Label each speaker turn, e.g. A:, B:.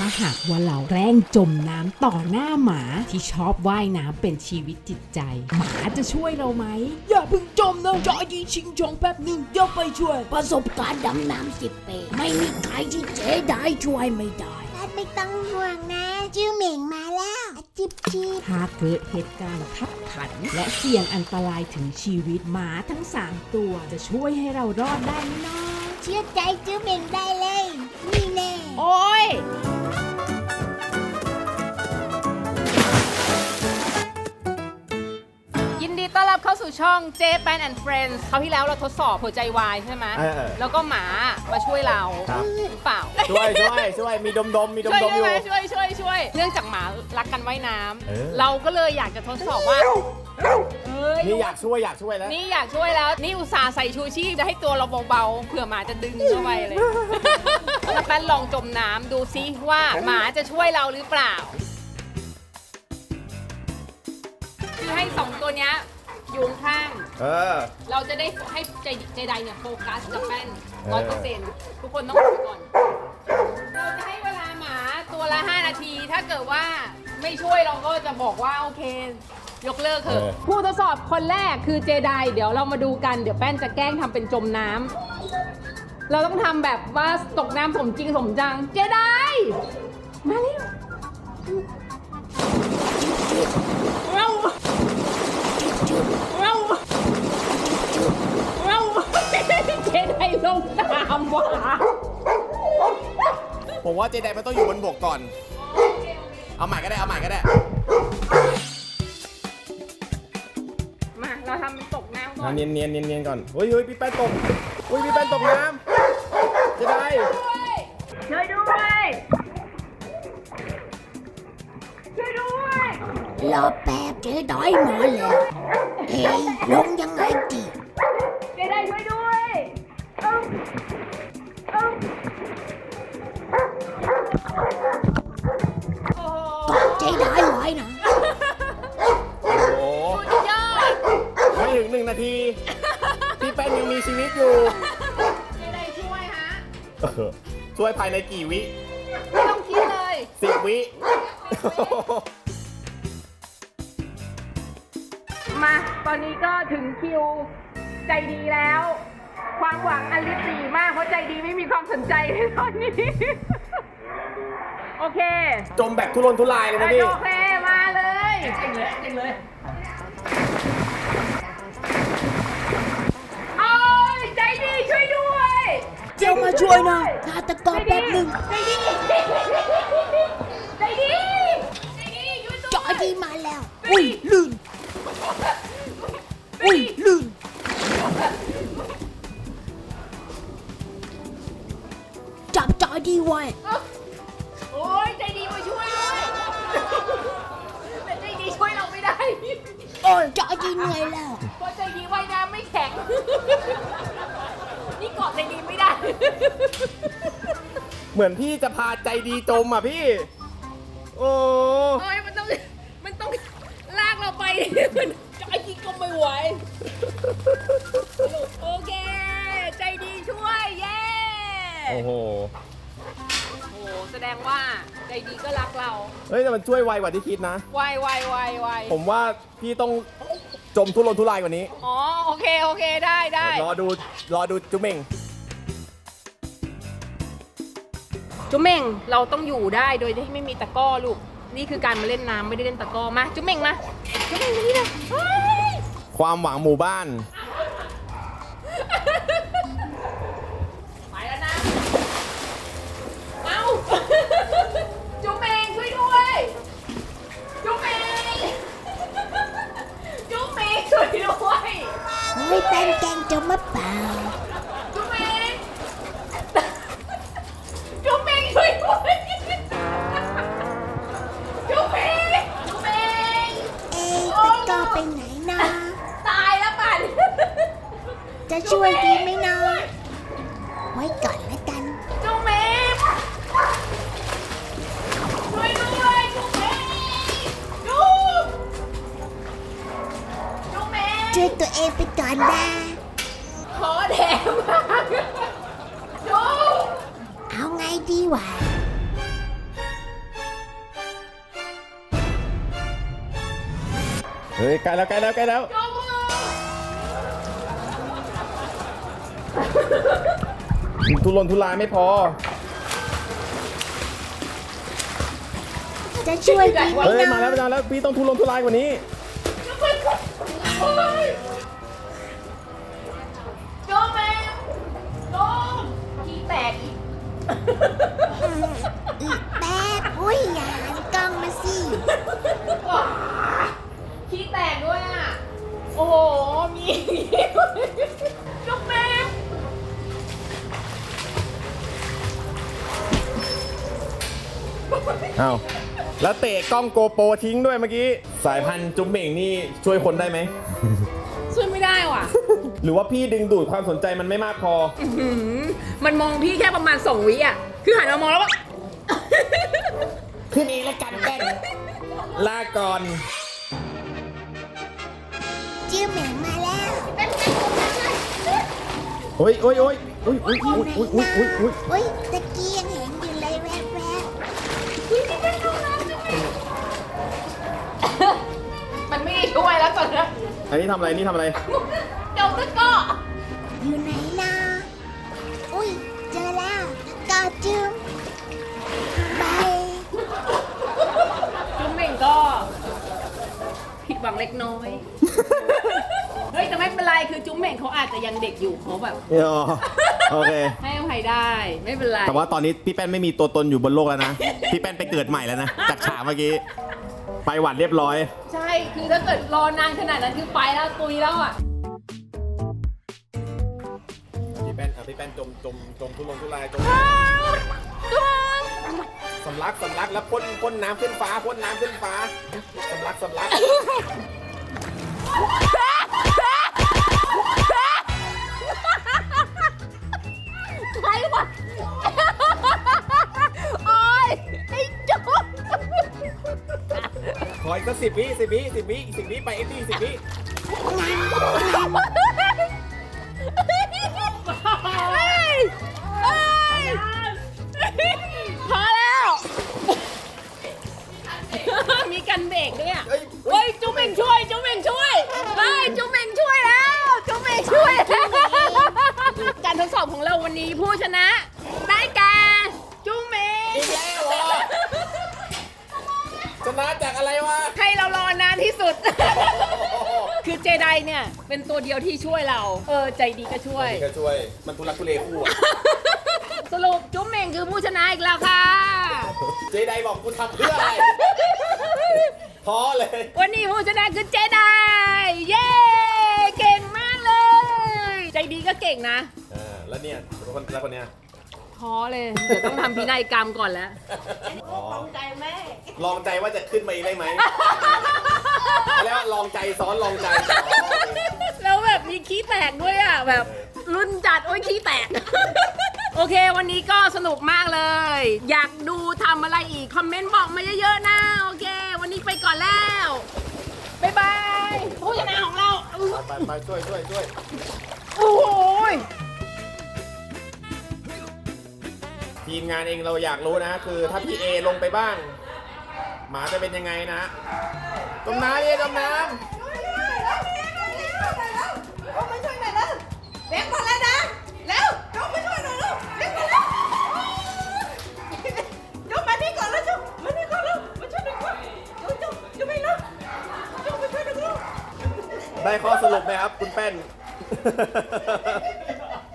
A: หากว่าเราแกล้งจมน้ำต่อหน้าหมาที่ชอบว่ายน้ำเป็นชีวิตจิตใจหมาจะช่วยเราไหมอย่าเพิ่งจมนะจอยีชิงชองแป๊บหนึ่งเดี๋ยวไปช่วยประสบการณ์ดำน้ำ10 ปีไม่มีใครที่เจ๊ได้ช่วยไม่ได้
B: ไม่ต้องห่วงนะจิ้วเหม่งมาแล้วจิบจิบ
A: หากเกิดเหตุการณ์ขับขันและเสี่ยงอันตรายถึงชีวิตหมาทั้ง3 ตัวจะช่วยให้เรารอดได้ไหมน้อง
B: เชื่อใจจิ้วเหม่งได้เลยนี่แน่
A: โอ้ย
C: ยินดีต้อนรับเข้าสู่ช่อง Japan and Friends คราวที่แล้วเราทดสอบหัวใจวายใช่ไหมแล้วก็หมามาช่วยเราหรือเปล่า
D: ช่วยมีดมอยู่ช่
C: วยเนื่องจากหมารักกันว่ายน้ำเราก็เลยอยากจะทดสอบว่า
D: นี่อยากช่วยแล้ว
C: นี่อยากช่วยแล้วนี่อุตส่าห์ใส่ชูชีพจะให้ตัวเราเบาๆเผื่อหมาจะดึงเข้าไปเลยแล้วแป้นลองจมน้ำดูซิว่าหมาจะช่วยเราหรือเปล่าคือให้2 ตัวเนี้ยอยู่ข้างเราจะได้ให้เจไดเนี่ยโฟกัสกับแป้น100%ทุกคนต้องดูก่อนเราจะให้เวลาหมาตัวละ5 นาทีถ้าเกิดว่าไม่ช่วยเราก็จะบอกว่าโอเคยกเลิกเถอะผู้ทดสอบคนแรกคือเจไดเดี๋ยวเรามาดูกันเดี๋ยวแป้นจะแกล้งทำเป็นจมน้ำเราต้องทำแบบว่าตกน้ำสมจริงสมจังเจไดมาเร็วเจไดลงน้ำว่ะ
D: ผมว่าเจไดมันต้องอยู่บนบกก่อนเอาใหม่ก็ได้มา
C: เราทำเป็นตกน้ำก่อน
D: เนียนก่อนเฮ้ยพี่แป้นตกพี่แป้นตกน้ำเจได
C: ช่วยด้วย
B: รอแป๊บเจ๊ดอยมาแล้วเฮ้ยลงยังไงดี
C: เจ๊ได้ช่วยด้วย
B: กอดเจ๊ดอยไว้นะ
D: โอ้โห
C: ยอด
D: ไม่ถึง1 นาทีพี่แป้นยังมีชีวิตอยู่
C: เจ๊ได้ช่วยฮะ
D: ช่วยภายในกี่วิ
C: ไม่ต้องคิดเลย
D: 10 วิ
C: มาตอนนี้ก็ถึงคิวใจดีแล้วความหวังอันลิบหรี่มากเพราะใจดีไม่มีความสนใจในตอนนี้โอเค
D: จมแบบทุรนทุรายเลยนะพี่
C: โอเคมาเลยจริงเลยโอ้ยใจดีช่วยด้วย
B: เจ้ามาช่วยหน่อยฆาตกรแป๊บหนึ่ง
C: ใจดี
B: จอดีมาแล้วอุ้ยลื่นจับจอดีไว้
C: โอ้ยใจดีมาช่วยด้วยแต่ใจดีช่วยเราไม่ได้
B: โอ้ยจอดีเหนื่อยแล้ว
C: เพราะใจดีว่ายน้ำไม่แข็งนี่เกาะใจดีไม่ได้
D: เหมือนพี่จะพาใจดีจมอ่ะพี่โอ้
C: ยมันต้องลากเราไปใจดีก็ไม่ไหวโอเคใจดีช่วยเย้
D: โอ้โห
C: แสดงว่าใจดีก็รักเรา
D: เฮ้ยแต่มันช่วยไวกว่าที่คิดนะ
C: ไว
D: ผมว่าพี่ต้องจมทุรนทุรายกว่านี้
C: อ๋อโอเคได้
D: รอดูจุ๊เม่ง
C: จุ๊เม่งเราต้องอยู่ได้โดยที่ไม่มีตะกร้อลูกนี่คือการมาเล่นน้ำไม่ได้เล่นตะกร้อมาจุ๊เม่งมาจุ๊เม่งนี่เลย
D: ความหวังหมู่บ้าน
C: ไปแล้วนะเอาจุ๊เม่งช่วยด้วยจุ๊เม่งช่วยด้วย
B: เฮ้ยแป้นแกงจมมาเปล่า
C: จุ๊เม่งช่วยด้วย
B: ตะกร้อไปไหนนะ
C: ตายแล้วป่ะ
B: จะช่วยดีไหมนะไว้ก่อนแล้วกัน
C: จุ๊เม่งช่วยด้วยจุ๊เม่งจุ๊เม่ง
B: ช่วยตัวเองไปก่อนนะ
C: ขอแถมมากจุ๊
B: เอาไงดีวะ
D: เฮ้ยใกล้แล้วใกล้แล้วใกล้แล้วทุรนทุรายไม่พอ
B: จะช่วยดีไหม
D: เฮ้ย
B: เนาะ
D: มาแล้วมาแล้วพี่ต้องทุรนทุรายกว่านี้
C: โจมแมวโจมขี้แตกอีก
B: อีกแป๊บอุ้ยอย่าหันกล้องมาสิ
C: ขี้แตกด้วยอ่ะ โอ้โห มีโจมแมว
D: อ้าวแล้วเตะกล้องโกโปรทิ้งด้วยเมื่อกี้ สายพันธุ์จุ๊บเหม่งนี่ช่วยคนได้ไหม
C: ช่วยไม่ได้ว่ะ
D: หรือว่าพี่ดึงดูดความสนใจมันไม่มากพอ
C: มันมองพี่แค่ประมาณ2 วิอ่ะ คือหันมามองแล้วว่า
D: ขึ้นเองแล้วกันแป้งลาก่อน
B: จิ้วเหม่งมาแล้ว
D: โอ้ยโอ้ยโอ้ยโอ้ยโอ้ยโอ้ยโอ้ยโอ้ยโอ้ยโอ้ย
B: อุ้ยตะกี้ยังเห็นอยู่เลยแวบ
C: มันไม่ได้ช่วยแล้วตอนนี้
D: อันนี้ทำอะไรนี่ทำอะไร
C: เจ้าตะก้อ
B: ๆอยู่ไหนนะอุ้ยเจอแล้วกอจิ้วบาย
C: จุ๊บเหม่งก็ผิดหวังเล็กน้อย เฮ้ยแต่ไม่เป็นไรคือจุ๊บเหม่งเขาอาจจะยังเด็กอยู่เขาแบบ
D: อ๋อโอเค
C: ให้อภัยได้ไม่เป็นไร
D: แต่ว่าตอนนี้พี่แป้นไม่มีตัวตนอยู่บนโลกแล้วนะ พี่แป้นไปเกิดใหม่แล้วนะ จากฉากเมื่อกี้ ไปหวัดเรียบร้อย
C: ใช่คือถ้าเกิดรอนานขนาดนั้นคือไปแล้วตุยแล้วอ่ะ
D: พี่แป้นจมทุรนทุรายจมสำลักแล้วพ่นน้ำขึ้นฟ้าพ่นน้ำขึ้นฟ้าสำลัก
C: ใครวะโอ๊ยไอ้จุ๊บ
D: ขออีกสัก10 วิไปเอ็ดดี้10 วิ
C: เฮ้ยเฮ้ยพอแล้ว มีกันเบรกด้วยอ่ะเฮ้ยจุ๊บเองช่วยเฮ้ยจุ๊บเองช่วยแล้วจุ๊บเองช่วยแล้วการทดสอบของเราวันนี้ผู้ชนะได้แก่จุ๊บเอง
D: อีกแล้วเหรอชนะจากอะไรวะ
C: ให้เรารอนานที่สุด คือเจไดเนี่ยเป็นตัวเดียวที่ช่วยเรา ใจดีก็ช่วย
D: ก็ช่วยมันทุลักทุเลคู่อะ
C: สรุปจุ๊บเม่งคือผู้ชนะอีกแล้วค่ะ
D: เจไดบอกกูทำเพื่ออะไรท้อเลย
C: วันนี้ผู้ชนะคือเจไดเย้ เก่งมากเลย ใจดีก็เก่งนะ
D: แล้วเนี่ยแล้วคนเนี้ย
C: ท้อเลย เดี๋ยวต้องทำพินัยกรรมก่อนแล้ว
D: ลองใจว่าจะขึ้นมาอีกได้ไหม แล้วลองใจซ้อนลองใจ
C: แล้วแบบมีขี้แตกด้วยอ่ะ แบบรุ่นจัด โอ้ยขี้แตก โอเค วันนี้ก็สนุกมากเลย อยากดูทำอะไรอีก คอมเมนต์บอกมาเยอะๆนะ โอเค วันนี้ไปก่อนแล้ว บ๊ายบาย ผู้ชนะของเรา
D: ไปช่วย
C: โอ้โห
D: ทีมงานเองเราอยากรู้นะ คือถ้าพี่เอลงไปบ้าง หมาจะเป็นยังไงนะจมน้ำเอจมน้ ำได้ข้อสรุปไหมครับคุณแป้น